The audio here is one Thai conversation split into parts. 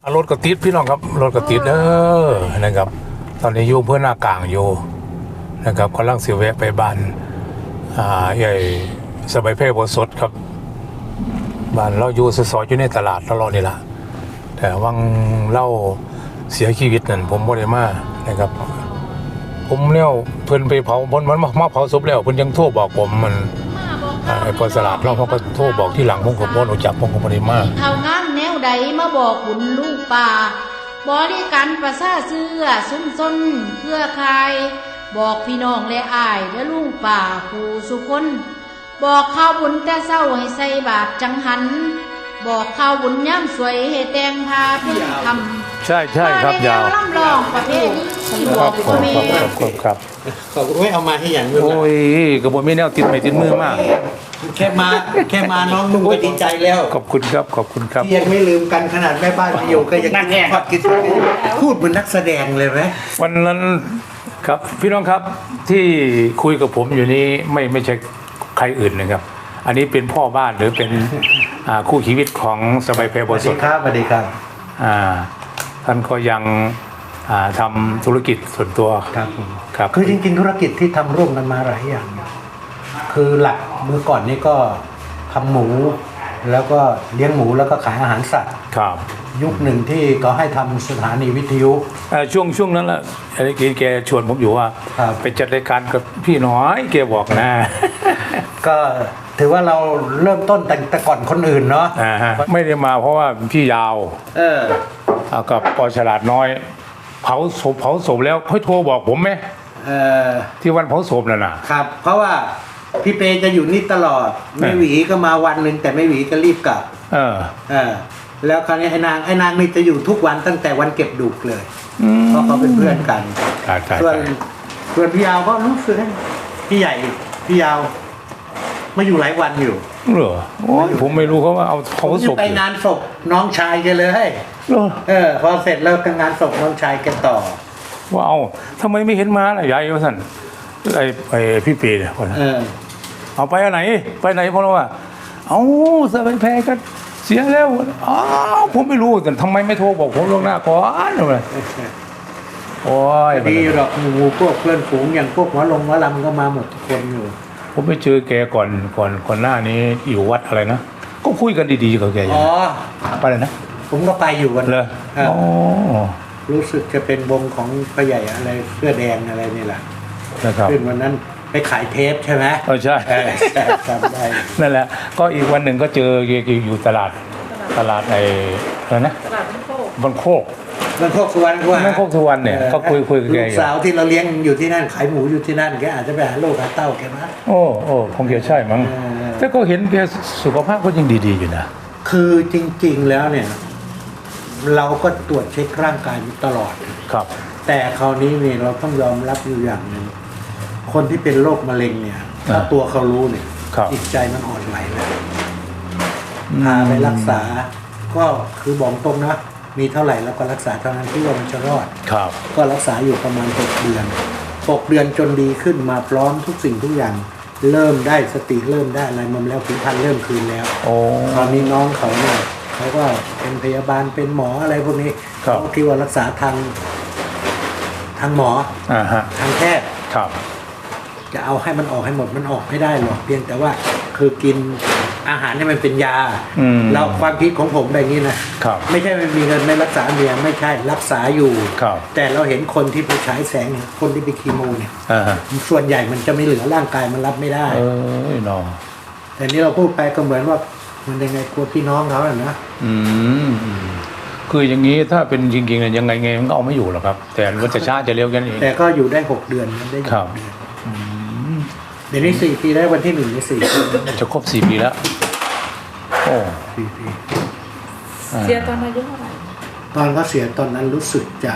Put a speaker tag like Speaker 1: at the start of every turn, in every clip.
Speaker 1: รถกระติดพี่น้องครับรถกระติดนะครับตอนนี้อยู่เพื่อนหน้ากลางอยู่นะครับกำลังเสียแวะไปบ้านใหญ่สบายเพ่บสดครับบ้านเราอยู่ซอยอยู่ในตลาดตลอดนี่แหละแต่วังเล่าเสียชีวิตนั่นผมบ่ได้มานะครับผมเนี่ยเพิ่นไปเผามันมาเผาศพแล้วเพิ่นยังโทรบอกผมมันไอ้พอสลาดเราเขาก็โทรบอกที่หลังผมก็บ่รู้จักผมก็บ่ได้มา
Speaker 2: เท่างามแนวใดมาบอกบุญลูกป่าบริการประสาเสื้อซุ้มซนเครือข่ายบอกพี่น้องและอ้ายและลุงป่าผู้สุคนบอกข้าวบุญแต่เศร้าให้ใส่บาตรจังหันบอกข้าวบุญย่ำสวยให้แต่งพาเพื่อทำ
Speaker 1: ใช่ครับยาว
Speaker 2: ลำลองประเภทนี้ที่บอกพ่อแม่
Speaker 1: ครับ
Speaker 3: ขอบคุณไม่เอามาให้อย่างนึง
Speaker 1: โอ้ยกระบวนไม่แนวติดไม่ติดมือมาก
Speaker 3: แค่มาน้องนุ่งก็ดีใจแล้ว
Speaker 1: ขอบคุณครับ
Speaker 3: ที่ยังไม่ลืมกันขนาดแม่บ้านไปอยู่ก็ยังทอดกินพูดเหมือนนักแสดงเลยไหม
Speaker 1: วันนั้นครับพี่น้องครับที่คุยกับผมอยู่นี้ไม่ใช่ใครอื่นนะครับอันนี้เป็นพ่อบ้านหรือเป็นคู่ชีวิตของสบายเพลบสด
Speaker 3: สวัสดีครับ
Speaker 1: ท่านก็ยังทำธุรกิจส่วนตัว
Speaker 3: ครับคือจริงๆธุรกิจที่ทำร่วมกันมาหลายอย่างคือหลักเมื่อก่อนนี้ก็ทำหมูแล้วก็เลี้ยงหมูแล้วก็ขายอาหารสัตว์
Speaker 1: ครับ
Speaker 3: ยุคหนึ่งที่ก็ให้ทำสถานีวิทยุ
Speaker 1: ช่วงนั้นแหละแกชวนผมอยู่ว่าไปจัดรายการกับพี่น้อยแกบอกนะ
Speaker 3: ก็ถือว่าเราเริ่มต้นแต่ก่อนคนอื่นเนาะ
Speaker 1: ไม่ได้มาเพราะว่าพี่ยาวกับปอฉลาดน้อยเผาศพแล้วค่อยโทรบอกผมไหมที่วันเผาศพน่ะ
Speaker 3: นะครับเพราะว่าพี่เปจะอยู่นี่ตลอดไม่หวีก็มาวันหนึ่งแต่ไม่หวีก็รีบกลับแล้วคราวนี้ไอ้นางนี่จะอยู่ทุกวันตั้งแต่วันเก็บดุกเลยเพราะเขาเป็นเพื่อนกันส่วนพี่ยาวก็รู้สึกพี่ใหญ่พี่ยาวมาอยู่หลายวันอยู่
Speaker 1: เหรอผมไม่รู้เขาว่าเอาเขาศพ
Speaker 3: ไปงานศพน้องชายแกเลยพอเสร็จแล้วก็งานศพน้องชายแกต่อ
Speaker 1: ว่าเอาทำไมไม่เห็นมาล่ะยายวะท่านไอ้พี่ปีเนี่ยเอาไปไหนเพราะว่าเอาสบายแพ้ก็เสียแล้วผมไม่รู้แต่ทำไมไม่โทรบอกผมล่วงหน้าก่อนเลยโอ้ย
Speaker 3: ดีหรอกหมู่พวกเพื่อนฝูงอย่างพวกหมอลำก็มาหมดทุกคนอยู่
Speaker 1: ผมไปเจอแกก่อนหน้านี้อยู่วัดอะไรนะก็คุยกันดีๆกับแกอยู่ไปเลยนะ
Speaker 3: ผมก็ไปอยู่วัน
Speaker 1: เลย
Speaker 3: รู้สึกจะเป็นวงของพ่อใหญ่อะไรเสื้อแดงอะไรนี่แหละขึ้นวันนั้นไปขายเทปใช่ไหม
Speaker 1: ใช่
Speaker 3: จำได้
Speaker 1: นั่นแหละก็อีกวันหนึ่งก็เจออยู่ตลาดไอ้อะไรนะตลาดบ้านโคก
Speaker 3: สุวรร
Speaker 1: ณเนี่ยก็คุยกับแก
Speaker 3: ลูกสาวที่เราเลี้ยงอยู่ที่นั่นขายหมูอยู่ที่นั่นแกอาจจะไปหาลูกหาเต้าแกมา
Speaker 1: โอ้คงจะใช่มั้งแต่ก็เห็นแกสุขภาพก็ยังดีๆอยู่นะ
Speaker 3: คือจริงๆแล้วเนี่ยเราก็ตรวจเช็คร่างกายตลอด
Speaker 1: ครับ
Speaker 3: แต่คราวนี้เนี่ยเราต้องยอมรับอยู่อย่างหนึ่งคนที่เป็นโรคมะเร็งเนี่ยถ้าตัวเขารู้เนี่ยจิตใจมันอ่อนไหวแล้วพาไปรักษาก็คือบอกตรงนะมีเท่าไหร่แล้วก็รักษาเท่านั้นที่ว่ามันจะรอดก็รักษาอยู่ประมาณ6 เดือนจนดีขึ้นมาพร้อมทุกสิ่งทุกอย่างเริ่มได้สติเริ่มได้อะไรมาแล้วผิวพรรณเริ่มคืนแล้วตอนนี้น้องเขาเนี่ยเขาก็เป็นพยาบาลเป็นหมออะไรพวกนี้เขาคิดว่ารักษาทางหมอทางแพทย์จะเอาให้มันออกให้หมดมันออกไม่ได้หรอกเพียงแต่ว่าคือกินอาหารเนี่ยมันเป็นยาเราความคิดของผมแบบนี้นะไม่ใช่ไม่มีเงินไม่รักษาเมียไม่ใช่รักษาอยู่แต่เราเห็นคนที่ไปฉายแสงคนที่ไปคีโมเนี่ยส่วนใหญ่มันจะไม่เหลือร่างกายมันรับไม่ได้แต่นี้เราพูดไปก็เหมือนว่ามันยังไงกลัวพี่น้องเขาแหละนะ
Speaker 1: คืออย่างนี้ถ้าเป็นจริงๆเนี่ยยังไงมันก็เอาไม่อยู่หรอกครับแต่มันจะช้าจะเร็วกันเอง
Speaker 3: แต่ก็อยู่ได้6 เดือนมันได้6 เดือนเดี๋ยวนี้4 ปีได้วันที่1 ใน 4 ปี
Speaker 1: จะครบ4 ปีแล้วโอ้
Speaker 3: 4 ปี
Speaker 2: เสียตอนอายุเท่าไหร่
Speaker 3: ตอนเขาเสียตอนนั้นรู้สึกจะ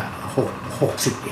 Speaker 3: 61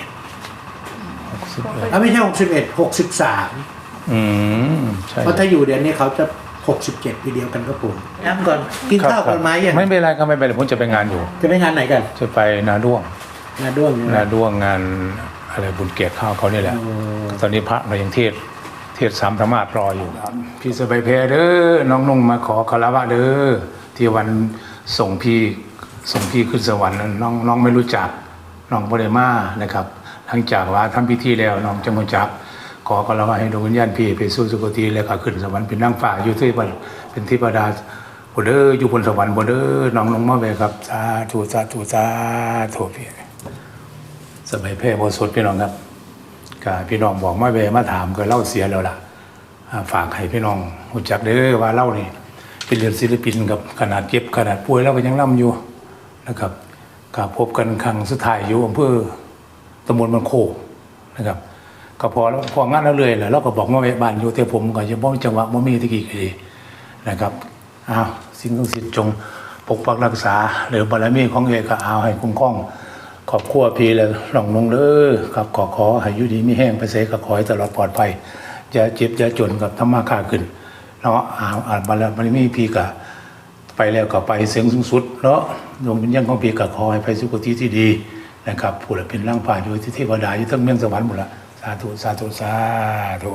Speaker 3: ไม่ใช่61 63ใช่เพราะถ้าอยู่เดือนนี้เขาจะ67 ปีเดียวกันก็ผมย้ำก่อนกินข้าวกันไหมยัง
Speaker 1: ไม่เป็นไรก็ไม่เป็นไรผมจะไปงานอยู่
Speaker 3: จะไปงานไหนกัน
Speaker 1: จะไปนาด้วง
Speaker 3: ง
Speaker 1: านอะไรบุญเกียรติข้าวเขานี่แหละตอนนี้พระเรายังเทศ3 ธรรมาสรออยู่พี่สบายเพเด้อน้องนุ่งมาขอคารวะเด้อที่วันส่งพี่ส่งพี่ขึ้นสวรรค์นั้นน้องไม่รู้จักน้องบ่ได้มานะครับหลังจากว่าทำพิธีแล้วน้องจะรู้จักขอก็เราให้ดวงวิญญาณพี่ไปสู่สุคติแล้วก็ขึ้นสวรรค์เป็นนางฟ้าอยู่ที่เป็นเทวดาบ่เด้ออยู่บนสวรรค์บ่เด้อน้องลงมาแวครับสาธุสาธุสาธุพี่สบายแพร่บ่สดพี่น้องครับก็พี่น้องบอกมาแวมาถามก็เล่าเสียแล้วล่ะฝากให้พี่น้องรู้จักเด้อว่าเล่านี่เป็นเรื่องศิลปินกับขนาดเจ็บขนาดป่วยแล้วก็ยังร่ำอยู่นะครับก็พบกันครั้งสุดท้ายอยู่อำเภอตำบลบันโคกนะครับก็พองานแล้วเลยแหละเราก็บอกมาแวะบ้านอยู่แต่ผมก็จะบ่จังหวะบ่มีตะกี้ก็ดีนะครับสิ่งศักดิ์สิทธิ์จงปกปักรักษาหรือบารมีของเอกก็เอาให้คุ้มครองครอบครัวพี่และหลองลงเด้อครับขอให้อยู่ดีมีแห้งไปเสก็ขอให้ตลอดปลอดภัยอย่าเจ็บอย่าจนกับธรรมะค้าขึ้นเนาะบารมีพี่ก็ไปแล้วก็ไปเสียงสูงสุดเนาะดวงวิญญาณของพี่ก็ขอให้ไปสุคติที่ดีนะครับผู้ใดเป็นร่างผ่านอยู่ที่เทวดาอยู่ทั้งเมืองสวรรค์หมดละสาธุสาธุสาธุ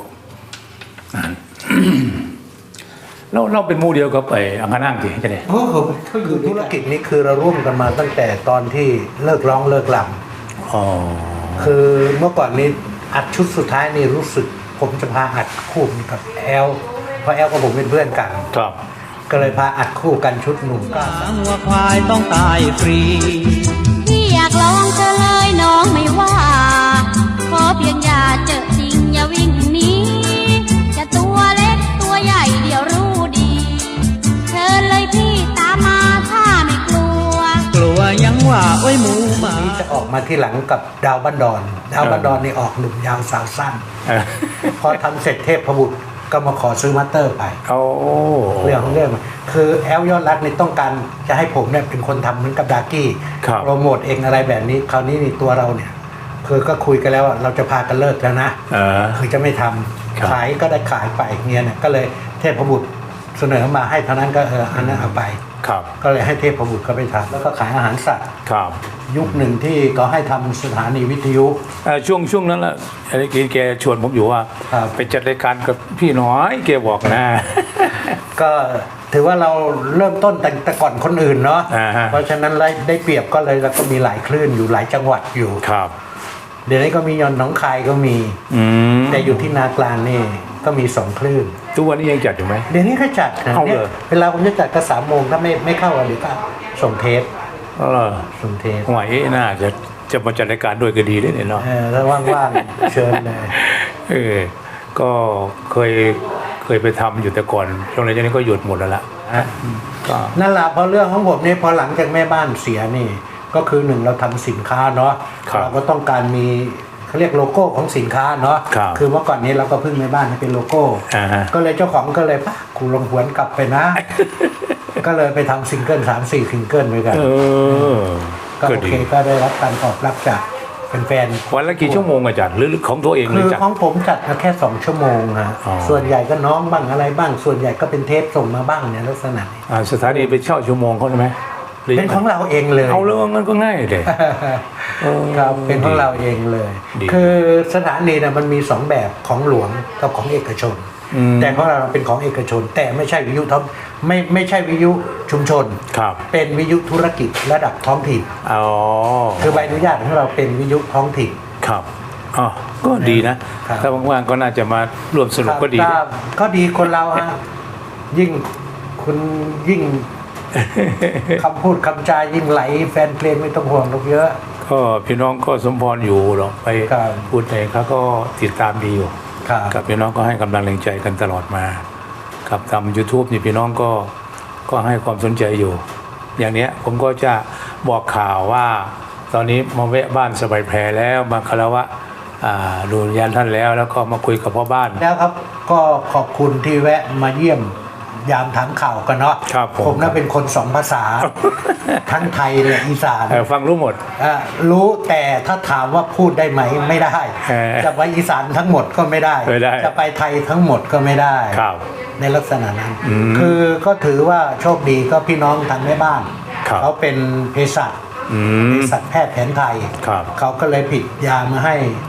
Speaker 1: เราเป็นหมู่เดียวกับไอ้อังคณางที่จะได้
Speaker 3: เขาอยู่ธุรกิจนี้คือเราร่วมกันมาตั้งแต่ตอนที่เลิกร้องเลิกลำคือเมื่อก่อนนี้อัดชุดสุดท้ายนี่รู้สึกผมจะพาอัดคู่กับแอลเพราะแอลกับผมเป็นเพื่อนกัน
Speaker 1: ครับ
Speaker 3: ก็เลยพาอัดคู่กันชุดหนุ่มก็
Speaker 4: วัวควายต้องตายฟรี
Speaker 5: พี่อยากลองเธอเลยน้องไม่ว่า ขอเพียงอย่าเจอจริงอย่าวิ่งหนีจะตัวเล็กตัวใหญ่เดี๋ยวรู้ดีเชิญเลยพี่ตามมาถ้าไม่กลัว
Speaker 4: กลัวยังว่าโอ้ยหมูหมา
Speaker 3: นี่จะออกมาที่หลังกับดาวบ้านดอนดาวบ้านดอนนี่ออกหนุ่มยาวสาวสั้นพอทำเสร็จเทพบุตรก็มาขอซื้อมาสเตอร์ไปเรื่องของเรื่องคือแอลยอดรักนี่ต้องการจะให้ผมเนี่ยเป็นคนทำเหมือนกับดากี้โปรโมทเองอะไรแบบนี้คราวนี้นี่ตัวเราเนี่ยคือก็คุยกันแล้วว่าเราจะพากันเลิกแล้วนะคือจะไม่ทำขายก็ได้ขายไปเงี้ยเนี่ยก็เลยเทพบุตรเสนอมาให้เท่านั้นก็อันนั้นเอาไปก็เลยให้เทพบุตรก็ไปทำแล้วก็ขายอาหารสัตว์ยุคหนึ่งที่เขาให้ทำสถานีวิทยุ
Speaker 1: ช่วงนั้นแหละอะไรแกชวนผมอยู่ว่าไปจัดรายการกับพี่น้อยแกบอกนะ
Speaker 3: ก็ถือว่าเราเริ่มต้นแต่ก่อนคนอื่นเนาะเพราะฉะนั้นได้เปรียบก็เลยแล้วก็มีหลายคลื่นอยู่หลายจังหวัดอยู่
Speaker 1: ครับ
Speaker 3: เดี๋ยวนี้ก็มียอนหนองคายก็มีแต่อยู่ที่นากลางนี่ก็มี2คลื่น
Speaker 1: ทุกวันนี้ยังจัดอยู่ไหม
Speaker 3: เดี๋ยวนี้ก็จัดนะเวลาผมจะจัดก็3 โมงถ้าไม่เข้าหรือก็ส่งเทปส่งเทป
Speaker 1: หวยน่าจะมาจัดรายการด้วยก็ดีได้เนาะ
Speaker 3: ถ้าว่างๆเชิญเลย
Speaker 1: ก็เคยไปทำอยู่แต่ก่อนช่วงนี้ก็หยุดหมดแล้วล่ะ
Speaker 3: ก็นั่นแหละพอเรื่องของผมนี่พอหลังจากแม่บ้านเสียนี่ก็คือ1เราทำสินค้าเนาะเราก็ต้องการมีเขาเรียกโลโก้ของสินค้าเนาะคือเมื่อก่อนนี้เราก็พึ่งแม่บ้านให้เป็นโลโก้ก็เลยเจ้าของก็เลยป่ะกูลงหวนกลับไปนะก็เลยไปทำซิงเกิล3-4ซิงเกิลด้วยกันก็โอเคก็ได้รับการตอบรับจากแฟน
Speaker 1: ๆวันละกี่ชั่วโมงอาจารย์หรือของตัวเอง
Speaker 3: คือของผมจัดแค่2 ชั่วโมงฮะส่วนใหญ่ก็น้องบ้างอะไรบ้างส่วนใหญ่ก็เป็นเทปส่งมาบ้างเนี่ยลักษณะ
Speaker 1: สถานีไปเช่าชั่วโมงเขาใช่ไหม
Speaker 3: เป็นของเราเองเลย
Speaker 1: เอาเรื่องมันก็ง่ายเลย
Speaker 3: ครับเป็นของเราเองเลยคือสถานีนะมันมี2แบบของหลวงกับของเอกชนแต่ของเราเป็นของเอกชนแต่ไม่ใช่วิทยุท้องไม่ใช่วิทยุชุมชนเป็นวิทยุธุรกิจระดับท้องถิ่นคือใบอนุญาตของเราเป็นวิทยุท้องถิ่น
Speaker 1: ครับก็ดีนะถ้าว่างๆก็น่าจะมาร่วมสนุกก็ดี
Speaker 3: ก็ดีคนเราฮะยิ่งคุณยิ่งคำพูดคำจายิ่งไหลแฟนเพลงไม่ต้องห่วงหรอกเยอะ
Speaker 1: ก็พี่น้องก็สมพรอยู่หรอกไปพูดไหนเขาก็ติดตามดีอยู่กับพี่น้องก็ให้กำลังแรงใจกันตลอดมากับทำ YouTube นี่พี่น้องก็ให้ความสนใจอยู่อย่างนี้ผมก็จะบอกข่าวว่าตอนนี้มาแวะบ้านสบายแพรแล้วมาคารวะดูญาณท่านแล้วก็มาคุยกับพ่อบ้าน
Speaker 3: แล้วครับก็ขอบคุณที่แวะมาเยี่ยมยามถามข่าวกันเนาะผมน่าเป็นคน2 ภาษาทั้งไทยและอีสาน
Speaker 1: ฟังรู้หมด
Speaker 3: รู้แต่ถ้าถามว่าพูดได้ไหมไม่ได้จะไปอีสานทั้งหมดก็ไม่ได้จะไปไทยทั้งหมดก็ไม่ได้ในลักษณะนั้นคือก็ถือว่าโชคดีก็พี่น้องทางแม่บ้านเขาเป็นเภสัชแพทย์แผนไทยเขาก็เลยผิดยามาให้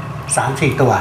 Speaker 3: 3-4 ตัว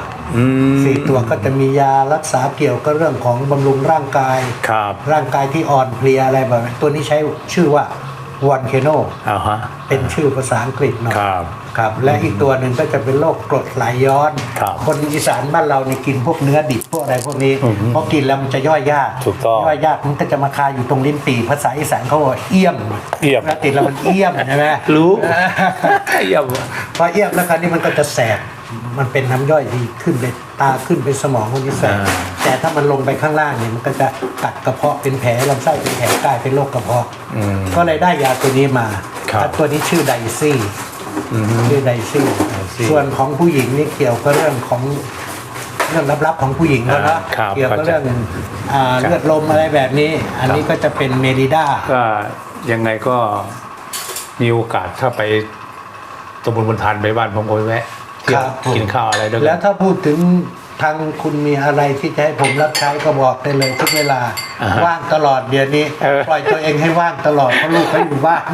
Speaker 3: 4 ตัวก็จะมียารักษาเกี่ยวกับเรื่องของบำรุงร่างกายร่างกายที่อ่อนเพลียอะไรแบบนี้ตัวนี้ใช้ชื่อว่าวอนเคโน
Speaker 1: ฮะ
Speaker 3: เป็นชื่อภาษาอังกฤษเนาะ
Speaker 1: ครับ
Speaker 3: ครับและอีกตัวหนึ่งก็จะเป็นโรคกรดไหลย้อน
Speaker 1: ครับ
Speaker 3: คนอีสานบ้านเรานี่กินพวกเนื้อดิบพวกอะไรพวกนี้พอกินแล้วมันจะย่อยยาก
Speaker 1: ถูกต้อง
Speaker 3: ย่อยยากมันก็จะมาคาอยู่ตรงลิ้นปี่ภาษาอีสานเขาบอกเอี้ยม
Speaker 1: เอี่ยม
Speaker 3: แล้วติดแล้วมันเอี้ยมใช่ไหม
Speaker 1: รู้ เอี่ยม
Speaker 3: พอเอี้ยมแล้วคราวนี้มันก็จะแสบมันเป็นน้ำย่อยที่ขึ้นไปตาขึ้นไปสมองคนนี้แสบแต่ถ้ามันลงไปข้างล่างเนี่ยมันก็จะกัดกระเพาะเป็นแผลลำไส้เป็นแผลกลายเป็นโรคกระเพาะก็เลยได้ยาตัวนี้มา
Speaker 1: ครับ
Speaker 3: แล้วตัวนี้ชื่อไดซี่ชื่อไดซี่ส่วนของผู้หญิงนี่เกี่ยวกับเรื่องของเรื่องลับๆของผู้หญิงเขาเนาะ
Speaker 1: ครับ
Speaker 3: เกี่ยวกับเรื่องเลือดลมอะไรแบบนี้ อันนี้ก็จะเป็นเมริด้า
Speaker 1: ก็ยังไงก็มีโอกาสถ้าไปตำบลบนทานไปบ้านผมก็ไปแวะเที่ยวกินข้าวอะไรด้วยกัน
Speaker 3: แล้วถ้าพูดถึงทางคุณมีอะไรที่จะให้ผมรับใช้ก็บอกได้เลยทุกเวลา ว่างตลอดเดี๋ยวนี้ปล่อยตัวเองให้ว่างตลอดเพราะลูกเขาอยู่บ้าน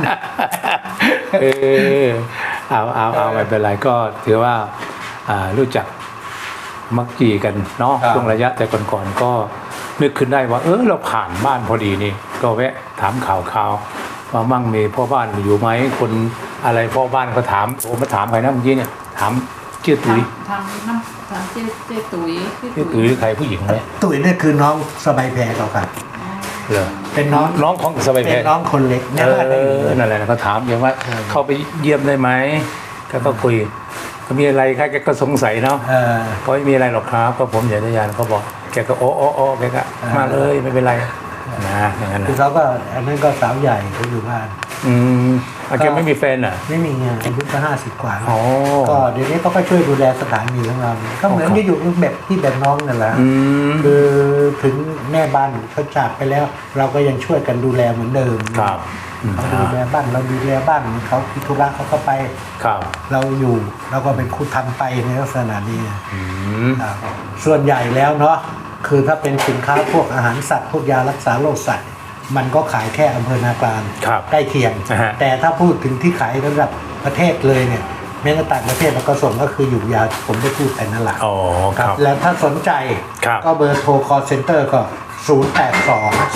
Speaker 1: เอาไม่เป็นไรก็ถือว่ารู้จักมักจีกันเนาะ
Speaker 3: ครับ
Speaker 1: ช่วงระยะแต่ก่อนๆก็นึกขึ้นได้ว่าเราผ่านบ้านพอดีนี่ก็แวะถามข่าวว่ามั่งมีพ่อบ้านอยู่ไหมคนอะไรพ่อบ้านเขาถามผมมาถามใครนะเมื่อกี้เนี่ยถามชื่อตุ๋ย
Speaker 6: ทางน้ำทางเจ๊ตุ๋ย
Speaker 1: ชื่อตุ๋ยใครผู้หญิงไหม
Speaker 3: ตุ๋ยเนี่ยคือน้องสบายแพรเขาครับ
Speaker 1: เหรอ
Speaker 3: เป็นน้อง
Speaker 1: น้องของสบาย
Speaker 3: เป็
Speaker 1: แพ
Speaker 3: นน้องคนเล็กเนี่ยว่าได้อยู่
Speaker 1: นั่นแหละเขาถามอย่างว่าเข้าไปเยี่ยมได้ไหมก็คุยก็มีอะไรแกก็สงสัยเนาะ ก็ไม่มีอะไรหรอกครับก็ผมอยากจะยานเขาบอกแกก็โอ้แกก็มาเลยไม่เป็นไรนะอย่างนั้น
Speaker 3: คือ
Speaker 1: นะ
Speaker 3: เขาก็อันนั้นก็สาวใหญ่เขาอยู่บ้าน
Speaker 1: แกไม่มีแฟนอ่ะ
Speaker 3: ไม่มีไงอายุก็50 กว่า
Speaker 1: อ๋อ
Speaker 3: ก็เดี๋ยวนี้เขาก็ช่วยดูแลสถานีของเราก็เหมือนจะอยู่แบบที่แบบน้องนั่นแหละ
Speaker 1: ม
Speaker 3: คือถึงแม่บ้านเขาจากไปแล้ว เราก็ยังช่วยกันดูแลเหมือนเดิม
Speaker 1: ครับอืม
Speaker 3: เขาดูแลบ้านเราดูแลบ้านเขาพิธุระเขาก็ไป
Speaker 1: ครับ
Speaker 3: เราอยู่เราก็เป็นคู่ทำไปในลักษณะนี้
Speaker 1: อืม
Speaker 3: ครับส่วนใหญ่แล้วเนาะคือถ้าเป็นสินค้าพวกอาหารสัตว์พวกยารักษาโรคสัตว์มันก็ขายแค่อำเภอนากลาง
Speaker 1: ครับ
Speaker 3: ใกล้เคียง
Speaker 1: นะฮะ
Speaker 3: แต่ถ้าพูดถึงที่ขายระดับประเทศเลยเนี่ยแม้แต่ต่างประเทศเราก็ส่งก็คืออยู่ยาผมได้พูดไปนั่นแหละ
Speaker 1: อ๋อครับ
Speaker 3: แล้วถ้าสนใจ
Speaker 1: ครับ
Speaker 3: ก็เบอร์โทร call center ก็ 082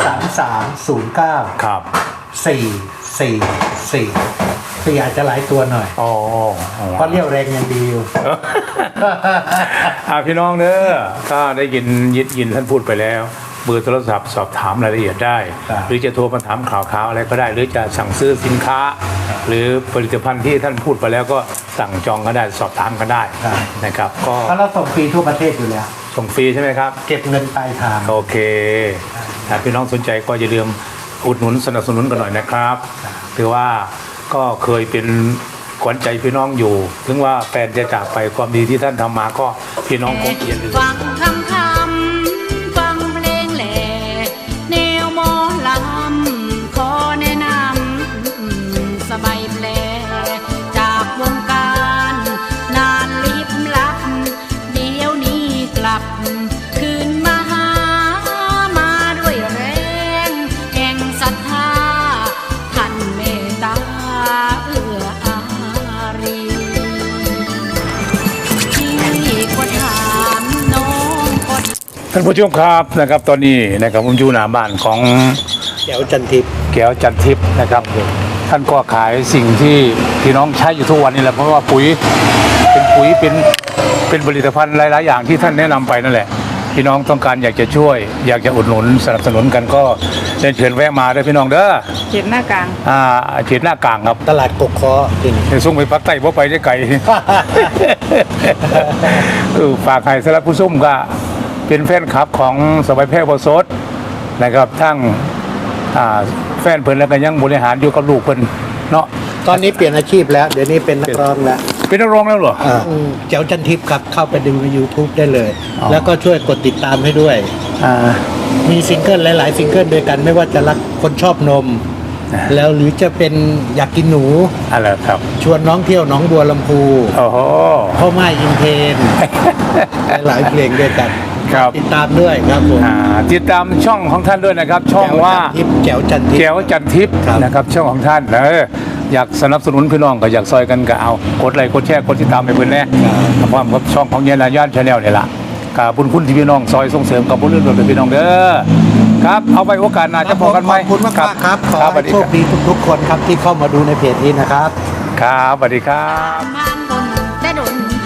Speaker 3: 3309
Speaker 1: ครับ
Speaker 3: 444อาจจะหลายตัวหน่อย
Speaker 1: อ๋อ
Speaker 3: เพราะเรี่ยวแรงยังดีอยู่
Speaker 1: พี่น้องเนอะก็ได้ยินท่านพูดไปแล้วเบอร์โทรศัพท์สอบถามรายละเอียดได้
Speaker 3: ครับ
Speaker 1: หรือจะโทรมาถามข่าวอะไรก็ได้ หรือจะสั่งซื้อสินค้า หรือผลิตภัณฑ์ที่ท่านพูดไปแล้วก็สั่งจองก็ได้สอบถามก็ได้นะครับ ก็
Speaker 3: เพราะเราส่งฟรีทั่วประเทศอยู่แล้ว
Speaker 1: ส่งฟรีใช่ไหมครับ
Speaker 3: เก็บเงินปลายทาง
Speaker 1: โอเคถ้าพี่น้องสนใจก็อย่าลืมอุดหนุนสนับสนุนกันหน่อยนะครับถือว่าก็เคยเป็นขวัญใจพี่น้องอยู่ ถึงว่าแฟนจะจากไปความดีที่ท่านทำมาก็พี่น้องคงอย่าลืม
Speaker 5: ฟังคำฟังเพลงแหล่แนวหมอลำขอแนะนำสบายแผลจากวงการนานลิบลับ เดี๋ยวนี้กลับ คืนมาหามาด้วยแรงแห่งศรัทธาท่านเมตตาเอื้ออารีที่ก็ถามน้องก็
Speaker 1: ท่านผู้ชมครับนะครับตอนนี้นะครับผมอยู่หน้าบ้านของ
Speaker 3: แก้วจันทิพย์
Speaker 1: แก้วจันทิพย์นะครับท่านก็ขายสิ่งที่พี่น้องใช้อยู่ทุกวันนี้แหละเพราะว่าปุ๋ยเป็นผลิตภัณฑ์หลายๆอย่างที่ท่านแนะนำไปนั่นแหละพี่น้องต้องการอยากจะช่วย อยากจะอุดหนุนสนับสนุนกันก็เชิญแวะมาด้วยพี่น้องเด้อ
Speaker 6: เห็นหน้ากลาง
Speaker 1: เขตหน้ากลางครับ
Speaker 3: ตลาดกกคอจริง
Speaker 1: ในส่งไปพักใต้บ่ไปได้ไกล ฝากให้สำหรับผู้ส้มก็เป็นแฟนคลับของสบายแพร่บสดนะครับทั้งแฟนเพิ่นแล้วก็ยังบริหารอยู่กับลูกเพิ่นเนาะ
Speaker 3: ตอนนี้เปลี่ยนอาชีพแล้ว เดี๋ยวนี้เป็นนักร้องแล้ว
Speaker 1: เป็นนักร้องแล้วเหรอ
Speaker 3: แจ๋วจันทิพย์ครับเข้าไปดูใน YouTube ได้เลย
Speaker 1: อ๋อ
Speaker 3: แล้วก็ช่วยกดติดตามให้ด้วย มีซิงเกิลหลายๆซิงเกิลด้วยกันไม่ว่าจะรักคนชอบนม แล้วหรือจะเป็นอยากกินหนู
Speaker 1: อะไรครับ
Speaker 3: ชวนน้องเที่ยวหน้องบัวลำพู
Speaker 1: โอ้โห
Speaker 3: พ่อไม้อินเทน หลายๆเพลงด้วยกัน
Speaker 1: ครับ
Speaker 3: ติดตามด้วยครับผม
Speaker 1: ติดตามช่องของท่านด้วยนะครับ ช่องว่า
Speaker 3: แจ๋วจันทิพย์
Speaker 1: แก้วจันทิพย์
Speaker 3: ครับ
Speaker 1: นะครับช่องของท่านอยากสนับสนุนพี่น้องก็อยากซอยกันก็เอากดไลค์กดแชร์กดติดตามไปเพิ่นแน่พร้อมกับช่องของเยนาย่านชาแนลนี่ล่ะกับบุญคุณที่พี่น้องซอยส่งเสริมกับบุญเรื่องโดยพี่น้องเด้อครับ เอาไว้โอกาสหน้าจะพบกันไหม
Speaker 3: ขอบคุณมากๆครับขอ
Speaker 1: ครับสวั
Speaker 3: ให้
Speaker 1: สดี
Speaker 3: โช
Speaker 1: ค
Speaker 3: ครับ ดีทุกๆคนครับที่เข้ามาดูในเพจนี้นะครับ
Speaker 1: ครับสวัสดีครับ
Speaker 5: มานบนแต่ดน